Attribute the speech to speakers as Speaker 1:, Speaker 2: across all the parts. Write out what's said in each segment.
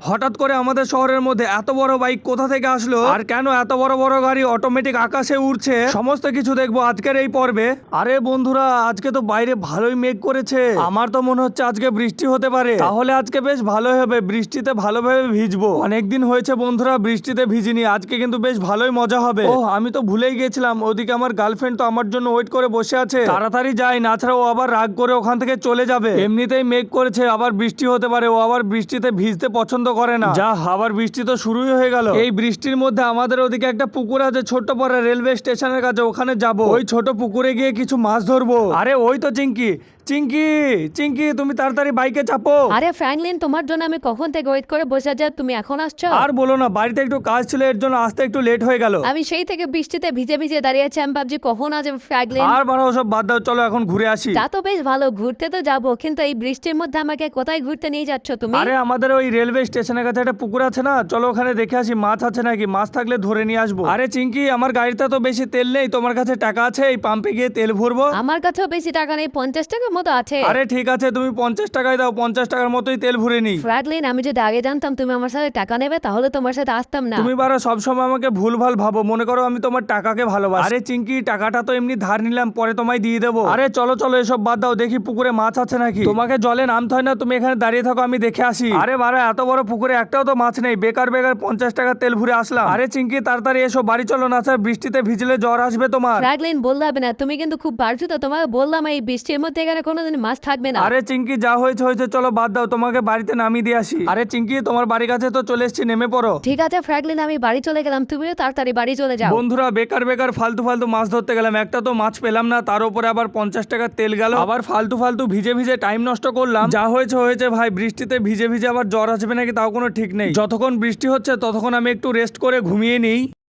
Speaker 1: হঠাৎ করে আমাদের শহরের মধ্যে এত বড় বাইক কোথা থেকে আসলো, আর কেন এত বড় বড় গাড়ি অটোমেটিক আকাশে উড়ছে, সমস্ত কিছু দেখবো আজকের এই পর্বে। আরে বন্ধুরা, আজকে তো বাইরে ভালোই মেঘ করেছে, আমার তো মনে হচ্ছে আজকে বৃষ্টি হতে পারে। তাহলে আজকে বেশ ভালোই হবে, বৃষ্টিতে ভালোভাবে ভিজবো। অনেকদিন হয়েছে বন্ধুরা বৃষ্টিতে ভিজিনি, আজকে কিন্তু বেশ ভালোই মজা হবে। ও আমি তো ভুলেই গেছিলাম, ওদিকে আমার গার্লফ্রেন্ড তো আমার জন্য ওয়েট করে বসে আছে, তাড়াতাড়ি যাই, না ছাড়া ও আবার রাগ করে ওখান থেকে চলে যাবে। এমনিতেই মেঘ করেছে, আবার বৃষ্টি হতে পারে, ও আবার বৃষ্টিতে ভিজতে পছন্দ করে না। যা, আবার বৃষ্টি তো শুরুই হয়ে গেল। এই বৃষ্টির মধ্যে আমাদের ওদিকে একটা পুকুর আছে ছোট্ট পরে রেলওয়ে স্টেশনের কাছে, ওখানে যাব। ওই ছোট পুকুরে গিয়ে কিছু মাছ ধরবো। আরে ওই তো চিঙ্কি, চিঙ্কি চিঙ্কি তুমি তাড়াতাড়ি বাইকে চাপো।
Speaker 2: আরে ফ্র্যাঙ্কলিন, তোমার জন্য আমি কখন থেকে ওয়েট করে বসে আছি, তুমি এখন আসছো?
Speaker 1: আর বলো না, বাড়িতে একটু কাজ ছিল, এর জন্য আসতে একটু লেট হয়ে গেল।
Speaker 2: আমি সেই থেকে বৃষ্টিতে ভিজে ভিজে দাঁড়িয়ে আছি, আমি ভাবছি কখন আসবে ফ্র্যাঙ্কলিন।
Speaker 1: আর বাড়াও সব বাদ দাও, চলো এখন ঘুরে আসি।
Speaker 2: তা তো বেশ ভালো, ঘুরতে তো যাবো, কিন্তু এই বৃষ্টির মধ্যে আমাকে কোথায় ঘুরতে নিয়ে যাচ্ছ তুমি?
Speaker 1: আরে আমাদের ওই রেলওয়ে স্টেশনের কাছে একটা পুকুর আছে না, চলো ওখানে দেখে আসি মাছ আছে নাকি, মাছ থাকলে ধরে নিয়ে আসবো। আরে চিঙ্কি, আমার গাড়িতে তো বেশি তেল নেই, তোমার কাছে টাকা আছে এই পাম্পে গিয়ে তেল ভরবো?
Speaker 2: আমার কাছেও বেশি টাকা নেই, 50 টাকার মতো আছে।
Speaker 1: আরে ঠিক আছে, তুমি 50 টাকায় দাও, 50 টাকার মতোই তেল ভরে নি।
Speaker 2: ফ্র্যাঙ্কলিন, আমি যদি আগে জানতাম তুমি আমার সাথে টাকা নেবে, তাহলে তোমার সাথে আসতাম না।
Speaker 1: তুমি বারা সবসময় আমাকে ভুলভাল ভাবো, মনে করো আমি তোমার টাকাকে ভালোবাসি। আরে চিঙ্কি, টাকাটা তো এমনি ধার নিলাম, পরে তোমায় দিয়ে দেবো। আরে চলো চলো, এসব বাদ দাও, দেখি পুকুরে মাছ আছে নাকি। তোমাকে জলে নামতে হয় না, তুমি এখানে দাঁড়িয়ে থাকো, আমি দেখে আসি। আরে বারা, এত বড় পুকুরে একটাও তো মাছ নেই, বেকার বেকার 50 টাকা তেল ভরে আসলাম। আরে চিঙ্কি তাড়াতাড়ি এসো, বাড়ি চলো, না স্যার বৃষ্টিতে ভিজলে জ্বর আসবে তোমার।
Speaker 2: ফ্র্যাঙ্কলিন, বললাম না, তুমি কিন্তু খুব বাড়ছো তো, তোমাকে বললাম এই বৃষ্টির মধ্যে এখানে কোনোদিন মাছ থাকবে না।
Speaker 1: আরে চিঙ্কি, যা হয়েছে হয়েছে, চলো বাদ দাও, তোমাকে বাড়িতে নামিয়ে দিয়ে আসি। আরে চিঙ্কি, তোমার বাড়ির কাছে তো চলে এসেছি, নেমে পড়ো।
Speaker 2: ঠিক আছে ফ্র্যাঙ্কলিন, আমি বাড়ি চলে গেলাম, তুমিও তাড়াতাড়ি বাড়ি চলে যাও।
Speaker 1: বন্ধুরা, বেকার বেকার ফালতু ফালতু মাছ ধরতে গেলাম, একটা তো মাছ পেলাম না, তার উপরে আবার 50 টাকার তেল গেল, আবার ফালতু ফালতু ভিজে ভিজে টাইম নষ্ট করলাম। যা হয়েছে হয়েছে ভাই, বৃষ্টিতে ভিজে ভিজে আবার জ্বর আসবে নাকি তাও কোনো ঠিক নেই। যতক্ষণ বৃষ্টি হচ্ছে ততক্ষণ আমি একটু রেস্ট করে ঘুমিয়ে নিই।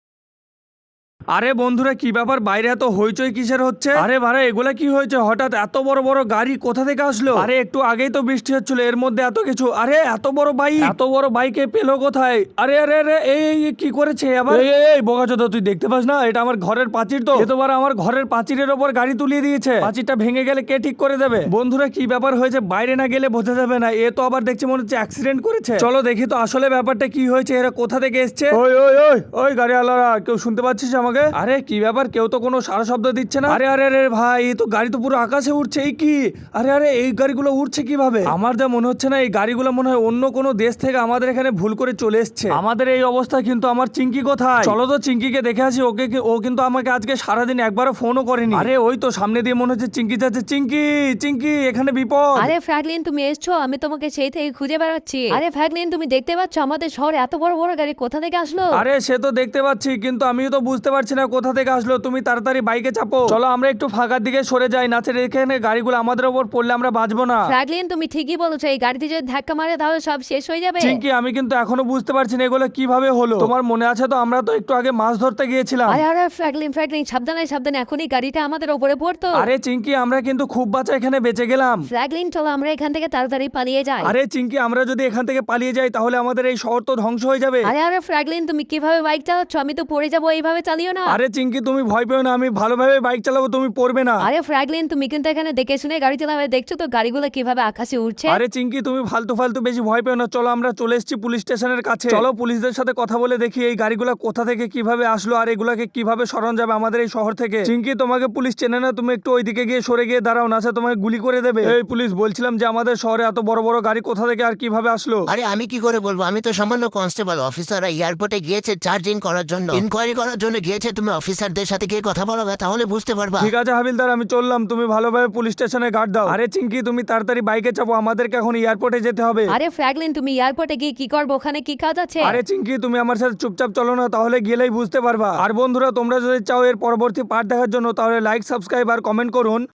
Speaker 1: আরে বন্ধুরা, কি ব্যাপার, বাইরে এত হইচই কিসের হচ্ছে? আরে ভাড়া, এগুলা কি হয়েছে? হঠাৎ এত বড় বড় গাড়ি কোথা থেকে আসলো? আরে একটু আগেই তো বৃষ্টি হচ্ছিল, এর মধ্যে এত কিছু। আরে এত বড় বাইক, এত বড় বাইকে পেলো কোথায়? আরে আরে আরে, এই কি করেছে আবার? এই বোকাচোদা, তুই দেখতে পাস না এটা আমার ঘরের প্রাচীর? তো এতবার আমার ঘরের প্রাচীরের ওপর গাড়ি তুলিয়ে দিয়েছে, প্রাচীরটা ভেঙে গেলে কে ঠিক করে দেবে? বন্ধুরা, কি ব্যাপার হয়েছে? বাইরে না গেলে বোঝা যাবে না, এ তো আবার দেখছি মনে হচ্ছে অ্যাক্সিডেন্ট করেছে। চলো দেখি তো আসলে ব্যাপারটা কি হয়েছে, এরা কোথা থেকে এসছে। ওই ওই ওই ওই গাড়িওয়ালারা, কেউ শুনতে পাচ্ছিস আমাকে? আরে কি ব্যাপার, কেউ তো কোনো সারা শব্দ দিচ্ছে না। আরে আরে আরে ভাই, এই তো গাড়ি তো পুরো আকাশে উঠছে, এই কি? আরে আরে, এই গাড়িগুলো উঠছে কিভাবে? আমার যা মনে হচ্ছে না, এই গাড়িগুলো মনে হয় অন্য কোনো দেশ থেকে আমাদের এখানে ভুল করে চলে এসছে। আমাদের এই অবস্থা, কিন্তু আমার চিঙ্কি কোথায়? চলো তো চিঙ্কিকে দেখে আসি, ও কিন্তু আমাকে আজকে সারাদিন একবারও ফোনও করেনি। আরে ওই তো সামনে দিয়ে মনে হচ্ছে চিঙ্কি যাচ্ছে। চিঙ্কি চিঙ্কি, এখানে বিপদ।
Speaker 2: আরে ফ্র্যাঙ্কলিন, তুমি এসছো, আমি তোমাকে সেই থেকে খুঁজে বেড়াচ্ছি। আরে ফ্র্যাঙ্কলিন, তুমি দেখতে পাচ্ছ আমাদের শহরে এত বড় বড় গাড়ি কোথা থেকে আসলো?
Speaker 1: আরে সে তো দেখতে পাচ্ছি, কিন্তু আমিও তো বুঝতে পারছি না কোথা থেকে আসলো। তুমি তাড়াতাড়ি বাইকে চাপো, চলো আমরা একটু ফাঁকার দিকে সরে যাই, না ছেড়ে এখানে গাড়িগুলো আমাদের উপর পড়লে আমরা বাঁচবো না।
Speaker 2: ফ্র্যাঙ্কলিন, তুমি ঠিকই বলেছো, এই গাড়িতে যদি ধাক্কা মারে তাহলে সব শেষ হয়ে যাবে।
Speaker 1: চিঙ্কি, আমি কিন্তু এখনো বুঝতে পারছি না এগুলো কিভাবে হলো। তোমার মনে আছে তো, আমরা তো একটু আগে মাছ ধরতে গিয়েছিলাম।
Speaker 2: আরে আরে ফ্র্যাঙ্কলিন, ফ্র্যাঙ্কলিন, সাবধানে সাবধানে, এখনই গাড়িটা আমাদের উপরে পড়তো।
Speaker 1: আরে চিঙ্কি, আমরা কিন্তু খুব বাঁচা এখানে বেঁচে গেলাম।
Speaker 2: ফ্র্যাঙ্কলিন, চলো আমরা এখান থেকে তাড়াতাড়ি পালিয়ে যাই।
Speaker 1: আরে চিঙ্কি, আমরা যদি এখান থেকে পালিয়ে যাই তাহলে আমাদের এই শহর তো ধ্বংস হয়ে যাবে।
Speaker 2: আরে আরে ফ্র্যাঙ্কলিন, তুমি কিভাবে বাইক চালাচ্ছ? আমি তো পড়ে যাবো, এইভাবে চালিও না।
Speaker 1: আরে চিঙ্কি, তুমি ভয় পেও না, আমি ভালোভাবে বাইক চালাবো, তুমি পড়বে না।
Speaker 2: আরে ফ্র্যাঙ্কলিন, তুমি কিন্তু এখানে দেখে শুনে গাড়ি চালাবে, দেখছো তো গাড়িগুলো কিভাবে আকাশে উঠছে।
Speaker 1: আরে চিঙ্কি, তুমি ফালতু ফালতু বেশি ভয় পেও না, চলো আমরা চলে এসেছি পুলিশ স্টেশনের কাছে। চলো পুলিশদের সাথে কথা বলে দেখি এই গাড়িগুলো কোথা থেকে কিভাবে আসলো, আর এগুলাকে কিভাবে সরানো যাবে আমাদের এই শহর থেকে। চিঙ্কি, তোমাকে পুলিশ চেনে না, তুমি একটু ওইদিকে গিয়ে সরে গিয়ে দাঁড়াও, না তোমাকে গুলি করে দেবে। এই পুলিশ, বলছিলাম যে আমাদের শহরে এত বড় বড় গাড়ি কোথা থেকে আর কিভাবে আসলো?
Speaker 3: আরে আমি কি করে বলবো, আমি তো সামান্য কনস্টেবল। অফিসাররা এয়ারপোর্টে গিয়েছে চার্জিং করার জন্য, ইনকোয়ারি করার জন্য গিয়েছে। তুমি অফিসারদের সাথে গিয়ে কথা বলবে, তাহলে বুঝতে পারবা।
Speaker 1: ঠিক আছে হাবিলদার, আমি চললাম, তুমি ভালোভাবে পুলিশ স্টেশনে গার্ড দাও। আরে চিঙ্কি, তুমি তাড়াতাড়ি বাইকে চাপো, আমাদেরকে এখন এয়ারপোর্টে যেতে হবে।
Speaker 2: আরে ফ্র্যাঙ্কলিন, তুমি এয়ারপোর্টে গিয়ে কি করবো? ওখানে কি কাজ আছে?
Speaker 1: আরে চিঙ্কি, তুমি আমার সাথে চুপচাপ চলো না, তাহলে গেলেই বুঝতে পারবা। আর বন্ধুরা, তোমরা যদি চাও এর পরবর্তী পার্ট দেখার জন্য, তাহলে লাইক, সাবস্ক্রাইব আর কমেন্ট করুন।